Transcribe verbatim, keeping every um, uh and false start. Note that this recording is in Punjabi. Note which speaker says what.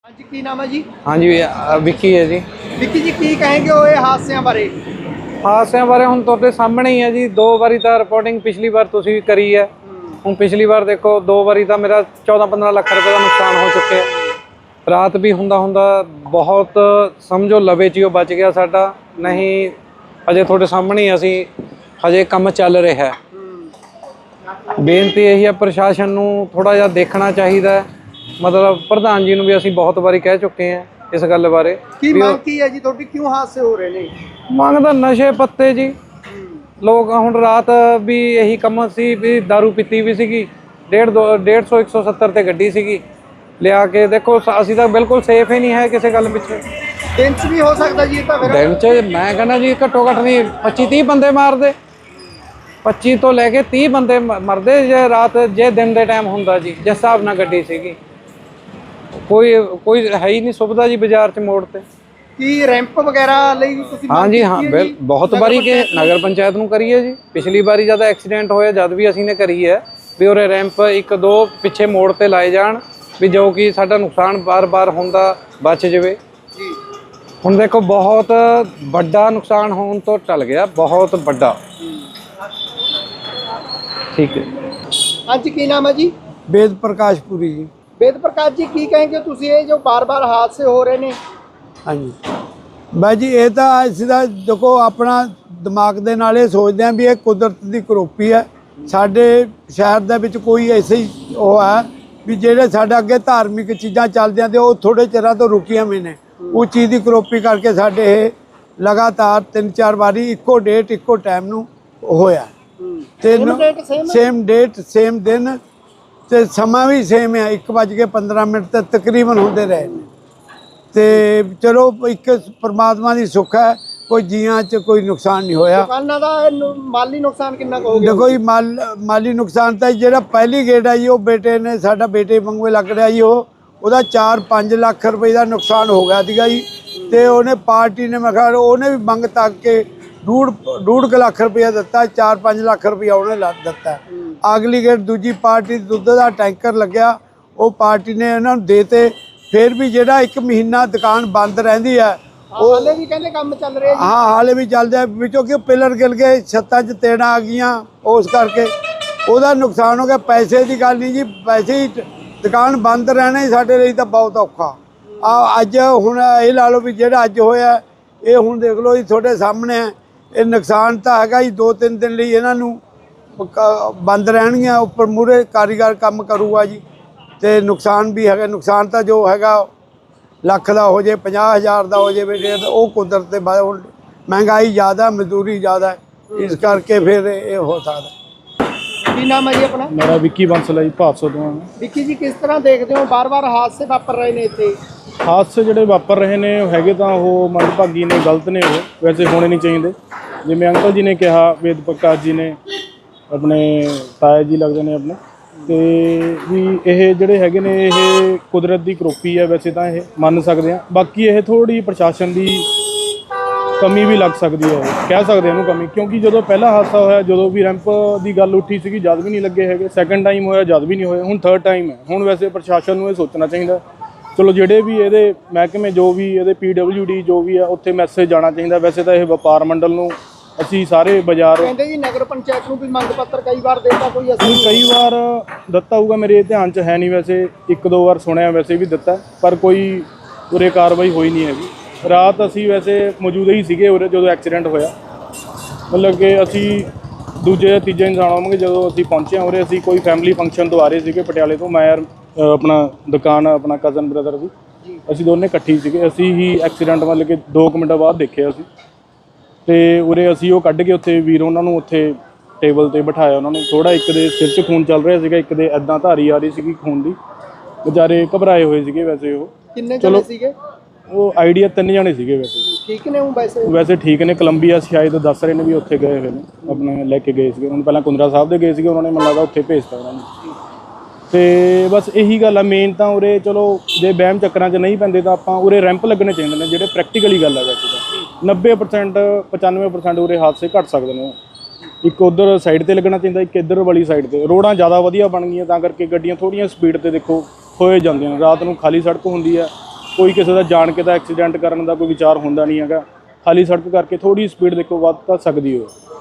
Speaker 1: हाँ जी की नाम है जी?
Speaker 2: हाँ जी विक्की है जी।
Speaker 1: विक्की जी की कहेंगे वो ये हादसों बारे?
Speaker 2: हादसों बारे हुण तुहाडे सामने ही है जी। दो बारी तो रिपोर्टिंग पिछली बार तुसीं करी है। हुण पिछली बार देखो दो बारी तो मेरा चौदह पंद्रह लाख रुपए का नुकसान हो चुके है। रात भी हुंदा हुंदा बहुत समझो लवे च बच गया साडा, नहीं अजे तुहाडे सामने ही असीं हजे काम चल रहा है। बेनती यही है प्रशासन नूं थोड़ा जिहा देखना चाहिए। मतलब प्रधान जी नूं भी असीं बहुत बारी कह चुके हैं इस गल बारे।
Speaker 1: की मांग की है जी तुहाडी, क्यों हादसे हो रहे ने?
Speaker 2: मंग तां नशे पत्ते जी। लोग हुण रात भी यही कम सी भी दारू पीती भी सीगी, डेढ़ दो डेढ़ सौ एक सौ सत्तर ते गड्डी सीगी लिया के। देखो असीं तां बिल्कुल सेफ ही नहीं है किसी गल पिछे।
Speaker 1: दिन च भी हो सकता जी तां? फिर
Speaker 2: दिन च मैं कहना जी घट्टो घट्ट नहीं पच्ची तीह बंदे मारदे, पच्ची तो लैके तीह बंदे मरदे जे रात जे दिन दे टाइम हुंदा जी। जिस हिसाब नाल गड्डी सीगी कोई कोई है ही नहीं सुविधा जी बाजार च मोड़ ते।
Speaker 1: की रैंप वगैरह लई तुसीं
Speaker 2: हाँ
Speaker 1: मांग
Speaker 2: जी
Speaker 1: कीती
Speaker 2: हाँ
Speaker 1: है
Speaker 2: बिल
Speaker 1: जी?
Speaker 2: बहुत
Speaker 1: नगर
Speaker 2: बारी के
Speaker 1: पंचायत
Speaker 2: नगर पंचायत नूं करी है जी। पिछली बारी जद एक्सीडेंट होया जद भी असीं ने करी है भी उरे रैंप एक दो पिछे मोड़ ते लाए जाण भी जो कि साडा नुकसान बार बार हुंदा बच जावे
Speaker 1: जी।
Speaker 2: हुण देखो बहुत बड़ा नुकसान होने तो टल गया, बहुत बड़ा। ठीक है।
Speaker 1: हाँ जी की नाम है जी?
Speaker 3: वेद प्रकाशपुरी जी।
Speaker 1: वेद प्रकाश जी की कहेंगे तुसीं ये जो बार बार हादसे हो रहे ने?
Speaker 3: हाँ जी बाई जी ये तो ਅਸੀਂ ਤਾਂ देखो अपना दिमाग ਦੇ ਨਾਲ ਇਹ ਸੋਚਦੇ ਹਾਂ ਵੀ ਇਹ ਕੁਦਰਤ ਦੀ ਕਰੋਪੀ ਹੈ। ਸਾਡੇ ਸ਼ਹਿਰ ਦੇ ਵਿੱਚ ਕੋਈ ਐਸੇ ਹੀ ਉਹ ਹੈ ਵੀ ਜਿਹੜੇ ਸਾਡੇ ਅੱਗੇ ਧਾਰਮਿਕ ਚੀਜ਼ਾਂ ਚੱਲਦੀਆਂ ਤੇ ਉਹ ਥੋੜੇ ਚਿਰਾਂ ਤੋਂ ਰੁਕੀਆਂ ਵੀ ਨੇ। ਉਹ ਚੀਜ਼ ਦੀ ਕਰੋਪੀ ਕਰਕੇ ਸਾਡੇ ਇਹ ਲਗਾਤਾਰ ਤਿੰਨ ਚਾਰ ਵਾਰੀ ਇੱਕੋ ਡੇਟ ਇੱਕੋ ਟਾਈਮ ਨੂੰ ਹੋਇਆ ਤੇ ਸੇਮ ਡੇਟ ਸੇਮ ਦਿਨ ਤੇ ਸਮਾਂ ਵੀ ਸੇਮ ਹੈ। ਇੱਕ ਵੱਜ ਕੇ ਪੰਦਰਾਂ ਮਿੰਟ ਤੇ ਤਕਰੀਬਨ ਹੁੰਦੇ ਰਹੇ ਨੇ ਤੇ ਚਲੋ ਇੱਕ ਪਰਮਾਤਮਾ ਦੀ ਸੁੱਖ ਹੈ ਕੋਈ ਜੀਆਂ 'ਚ ਕੋਈ ਨੁਕਸਾਨ ਨਹੀਂ ਹੋਇਆ।
Speaker 1: ਦੁਕਾਨਾਂ ਦਾ ਨੁ- ਮਾਲੀ ਨੁਕਸਾਨ ਕਿੰਨਾ ਕੁ ਹੋ ਗਿਆ?
Speaker 3: ਦੇਖੋ ਜੀ ਮਾਲ ਮਾਲੀ ਨੁਕਸਾਨ ਤਾਂ ਜਿਹੜਾ ਪਹਿਲੀ ਗੇਟ ਆ ਜੀ ਉਹ ਬੇਟੇ ਨੇ ਸਾਡਾ ਬੇਟੇ ਵਾਂਗੂ ਲੱਗ ਰਿਹਾ ਜੀ ਉਹ ਉਹਦਾ ਚਾਰ ਪੰਜ ਲੱਖ ਰੁਪਏ ਦਾ ਨੁਕਸਾਨ ਹੋ ਗਿਆ ਸੀਗਾ ਜੀ। ਤੇ ਉਹਨੇ ਪਾਰਟੀ ਨੇ ਮੈਂ ਕਿਹਾ ਉਹਨੇ ਵੀ ਮੰਗ ਤੱਕ ਕੇ ਡੂਢ ਡੂਢ ਕੁ ਲੱਖ ਰੁਪਇਆ ਦਿੱਤਾ, ਚਾਰ ਪੰਜ ਲੱਖ ਰੁਪਇਆ ਉਹਨੇ ਲਾ ਦਿੱਤਾ। ਅਗਲੀ ਗੇਟ ਦੂਜੀ ਪਾਰਟੀ ਦੁੱਧ ਦਾ ਟੈਂਕਰ ਲੱਗਿਆ ਉਹ ਪਾਰਟੀ ਨੇ ਇਹਨਾਂ ਨੂੰ ਦੇਤੇ। ਫਿਰ ਵੀ ਜਿਹੜਾ ਇੱਕ ਮਹੀਨਾ ਦੁਕਾਨ ਬੰਦ ਰਹਿੰਦੀ ਹੈ
Speaker 1: ਉਹ ਹਲੇ ਵੀ ਕਹਿੰਦੇ ਕੰਮ ਚੱਲ ਰਿਹਾ ਜੀ।
Speaker 3: ਹਾਂ ਹਾਲੇ ਵੀ ਚੱਲਦਾ ਵਿੱਚੋਂ ਕਿ ਪਿਲਰ ਗਿਰ ਗਏ, ਛੱਤਾਂ 'ਚ ਤੇੜਾਂ ਆ ਗਈਆਂ ਉਸ ਕਰਕੇ ਉਹਦਾ ਨੁਕਸਾਨ ਹੋ ਗਿਆ। ਪੈਸੇ ਦੀ ਗੱਲ ਨਹੀਂ ਜੀ, ਪੈਸੇ ਹੀ ਦੁਕਾਨ ਬੰਦ ਰਹਿਣਾ ਹੀ ਸਾਡੇ ਲਈ ਤਾਂ ਬਹੁਤ ਔਖਾ ਆ। ਅੱਜ ਹੁਣ ਇਹ ਲਾ ਲਓ ਵੀ ਜਿਹੜਾ ਅੱਜ ਹੋਇਆ ਇਹ ਹੁਣ ਦੇਖ ਲਓ ਜੀ ਤੁਹਾਡੇ ਸਾਹਮਣੇ ਹੈ। ਇਹ ਨੁਕਸਾਨ ਤਾਂ ਹੈਗਾ ਜੀ, ਦੋ ਤਿੰਨ ਦਿਨ ਲਈ ਇਹਨਾਂ ਨੂੰ ਬੰਦ ਰਹਿਣਗੀਆਂ। ਉੱਪਰ ਮੂਹਰੇ ਕਾਰੀਗਰ ਕੰਮ ਕਰੂਗਾ ਜੀ ਤੇ ਨੁਕਸਾਨ ਵੀ ਹੈਗਾ। ਨੁਕਸਾਨ ਤਾਂ ਜੋ ਹੈਗਾ ਲੱਖ ਦਾ ਹੋ ਜੇ ਪੰਜਾਹ ਹਜ਼ਾਰ ਦਾ ਹੋ ਜਾਵੇ ਉਹ ਕੁਦਰਤ ਦੇ ਬਾਰੇ ਹੁਣ ਮਹਿੰਗਾਈ ਜ਼ਿਆਦਾ ਮਜ਼ਦੂਰੀ ਜ਼ਿਆਦਾ ਇਸ ਕਰਕੇ ਫਿਰ ਇਹ ਹੋ ਸਕਦਾ।
Speaker 1: ਕੀ ਨਾਮ ਹੈ ਜੀ ਆਪਣਾ?
Speaker 4: मेरा विक्की बंसल है जी भादसों ਤੋਂ।
Speaker 1: ਵਿੱਕੀ ਜੀ ਕਿਸ ਤਰ੍ਹਾਂ ਦੇਖਦੇ ਹੋ ਬਾਰ ਬਾਰ ਹਾਦਸੇ ਵਾਪਰ ਰਹੇ ਨੇ ਇੱਥੇ?
Speaker 4: ਹਾਦਸੇ ਜਿਹੜੇ ਵਾਪਰ ਰਹੇ ਨੇ ਉਹ ਹੈਗੇ ਤਾਂ ਉਹ ਮੰਦਭਾਗੀ ਨੇ, ਗਲਤ ਨੇ, ਉਹ ਵੈਸੇ ਹੋਣੇ ਨਹੀਂ ਚਾਹੀਦੇ। ਜਿਵੇਂ ਅੰਕਲ ਜੀ ਨੇ ਕਿਹਾ, ਵੇਦ ਪ੍ਰਕਾਸ਼ ਜੀ ਨੇ ਆਪਣੇ ਤਾਇਆ ਜੀ ਲੱਗਦੇ ਨੇ ਆਪਣੇ, ਤੇ ਵੀ ਇਹ ਜਿਹੜੇ ਹੈਗੇ ਨੇ ਇਹ ਕੁਦਰਤ ਦੀ ਕਰੋਪੀ ਹੈ। ਵੈਸੇ ਤਾਂ ਇਹ ਮੰਨ ਸਕਦੇ ਹਾਂ, ਬਾਕੀ ਇਹ ਥੋੜ੍ਹੀ ਪ੍ਰਸ਼ਾਸਨ ਦੀ ਕਮੀ ਵੀ ਲੱਗ ਸਕਦੀ ਹੈ, ਕਹਿ ਸਕਦੇ ਇਹਨੂੰ ਕਮੀ। ਕਿਉਂਕਿ ਜਦੋਂ ਪਹਿਲਾ ਹਾਦਸਾ ਹੋਇਆ ਜਦੋਂ ਵੀ ਰੈਂਪ ਦੀ ਗੱਲ ਉੱਠੀ ਸੀਗੀ ਜਦ ਵੀ ਨਹੀਂ ਲੱਗੇ ਹੈਗੇ, ਸੈਕੰਡ ਟਾਈਮ ਹੋਇਆ ਜਦ ਵੀ ਨਹੀਂ ਹੋਇਆ, ਹੁਣ ਥਰਡ ਟਾਈਮ ਹੈ। ਹੁਣ ਵੈਸੇ ਪ੍ਰਸ਼ਾਸਨ ਨੂੰ ਇਹ ਸੋਚਣਾ ਚਾਹੀਦਾ ਚਲੋ ਜਿਹੜੇ ਵੀ ਇਹਦੇ ਮਹਿਕਮੇ ਜੋ ਵੀ ਇਹਦੇ ਪੀ ਡਬਲਿਊ ਡੀ ਜੋ ਵੀ ਆ ਉੱਥੇ ਮੈਸੇਜ ਜਾਣਾ ਚਾਹੀਦਾ। ਵੈਸੇ ਤਾਂ ਇਹ ਵਪਾਰ ਮੰਡਲ ਨੂੰ ਅਸੀਂ ਸਾਰੇ ਬਾਜ਼ਾਰ
Speaker 1: ਕਹਿੰਦੇ ਜੀ ਨਗਰ ਪੰਚਾਇਤ ਨੂੰ ਵੀ ਮੰਗ ਪੱਤਰ ਕਈ ਵਾਰ ਦਿੱਤਾ, ਕੋਈ ਅਸੀਂ
Speaker 4: ਕਈ ਵਾਰ ਦਿੱਤਾ ਹੋਊਗਾ, ਮੇਰੇ ਧਿਆਨ 'ਚ ਹੈ ਨਹੀਂ। ਵੈਸੇ ਇੱਕ ਦੋ ਵਾਰ ਸੁਣਿਆ ਵੈਸੇ ਵੀ ਦਿੱਤਾ, ਪਰ ਕੋਈ ਉਰੇ ਕਾਰਵਾਈ ਹੋਈ ਨਹੀਂ ਹੈਗੀ। ਰਾਤ ਅਸੀਂ ਵੈਸੇ ਮੌਜੂਦ ਹੀ ਸੀਗੇ ਉਰੇ ਜਦੋਂ ਐਕਸੀਡੈਂਟ ਹੋਇਆ, ਮਤਲਬ ਕਿ ਅਸੀਂ ਦੂਜੇ ਤੀਜੇ ਇਨਸਾਨ ਹੋਵਾਂਗੇ ਜਦੋਂ ਅਸੀਂ ਪਹੁੰਚੇ ਹਾਂ ਉਰੇ। ਅਸੀਂ ਕੋਈ ਫੈਮਿਲੀ ਫੰਕਸ਼ਨ ਤੋਂ ਆ ਰਹੇ ਸੀਗੇ ਪਟਿਆਲੇ ਤੋਂ। ਮੈਂ ਯਾਰ ਆਪਣਾ ਦੁਕਾਨ ਆਪਣਾ ਕਜ਼ਨ ਬ੍ਰਦਰ ਦੀ, ਅਸੀਂ ਦੋਨੇ ਇਕੱਠੇ ਸੀਗੇ। ਅਸੀਂ ਹੀ ਐਕਸੀਡੈਂਟ ਮਤਲਬ ਕਿ ਦੋ ਕੁ ਮਿੰਟਾਂ ਬਾਅਦ ਦੇਖਿਆ ਅਸੀਂ, ਤੇ ਉਰੇ ਅਸੀਂ ਉਹ ਕੱਢ ਕੇ ਉੱਥੇ ਵੀਰ ਉਹਨਾਂ ਨੂੰ ਉੱਥੇ ਟੇਬਲ ਤੇ ਬਿਠਾਇਆ। ਉਹਨਾਂ ਨੂੰ ਥੋੜਾ ਇੱਕ ਦੇ ਸਿਰ 'ਚ ਖੂਨ ਚੱਲ ਰਿਹਾ ਸੀਗਾ, ਇੱਕ ਦੇ ਐਦਾਂ ਧਾਰੀ ਆ ਰਹੀ ਸੀਗੀ ਖੂਨ ਦੀ। ਵਿਚਾਰੇ ਘਬਰਾਏ ਹੋਏ ਸੀਗੇ। ਵੈਸੇ ਉਹ
Speaker 1: ਕਿੰਨੇ ਜਣੇ ਸੀਗੇ?
Speaker 4: ਉਹ ਆਈਡੀਆ ਤਿੰਨ ਜਣੇ ਸੀਗੇ। ਵੈਸੇ
Speaker 1: ਠੀਕ ਨੇ ਉਹ ਵੈਸੇ
Speaker 4: ਵੈਸੇ ਠੀਕ ਨੇ। ਕੋਲੰਬੀਆ ਸ਼ਾਇਦ ਦੱਸ ਰਹੇ ਨੇ ਵੀ ਉੱਥੇ ਗਏ ਹੋਏ ਨੇ, ਆਪਣੇ ਲੈ ਕੇ ਗਏ ਸੀਗੇ ਉਹਨਾਂ ਨੂੰ। ਪਹਿਲਾਂ ਕੁੰਦਰਾ ਸਾਹਿਬ ਦੇ ਗਏ ਸੀਗੇ, ਉਹਨਾਂ ਨੇ ਮੈਨੂੰ ਲੱਗਦਾ ਉੱਥੇ ਭੇਜਤਾ ਉਹਨਾਂ ਨੂੰ। ਤੇ ਬਸ ਇਹੀ ਗੱਲ ਆ ਮੇਨ ਤਾਂ ਉਰੇ। ਚਲੋ ਜੇ ਵਹਿਮ ਚੱਕਰਾਂ 'ਚ ਨਹੀਂ ਪੈਂਦੇ ਤਾਂ ਆਪਾਂ ਉਰੇ ਰੈਂਪ ਲੱਗਣੇ ਚਾਹੀਦੇ ਨੇ ਜਿਹੜੇ ਪ੍ਰੈਕਟੀਕਲੀ ਗੱਲ ਹੈ। ਵੈਸੇ ਤਾਂ ਨੱਬੇ ਪਰਸੈਂਟ ਪਚਾਨਵੇਂ ਪਰਸੈਂਟ ਉਰੇ ਹਾਦਸੇ ਘੱਟ ਸਕਦੇ ਨੇ। ਇੱਕ ਉੱਧਰ ਸਾਈਡ 'ਤੇ ਲੱਗਣਾ ਚਾਹੀਦਾ, ਇੱਕ ਇੱਧਰ ਵਾਲੀ ਸਾਈਡ 'ਤੇ। ਰੋਡਾਂ ਜ਼ਿਆਦਾ ਵਧੀਆ ਬਣ ਗਈਆਂ ਤਾਂ ਕਰਕੇ ਗੱਡੀਆਂ ਥੋੜ੍ਹੀਆਂ ਸਪੀਡ 'ਤੇ ਦੇਖੋ ਹੋਏ ਜਾਂਦੀਆਂ ਨੇ। ਰਾਤ ਨੂੰ ਖਾਲੀ ਸੜਕ ਹੁੰਦੀ ਹੈ ਕੋਈ ਕਿਸੇ ਦਾ ਜਾਣ ਕੇ ਤਾਂ ਐਕਸੀਡੈਂਟ ਕਰਨ ਦਾ ਕੋਈ ਵਿਚਾਰ ਹੁੰਦਾ ਨਹੀਂ ਹੈਗਾ। ਖਾਲੀ ਸੜਕ ਕਰਕੇ ਥੋੜੀ ਸਪੀਡ ਦੇਖੋ ਵੱਧ ਤਾਂ ਸਕਦੀ ਹੋ।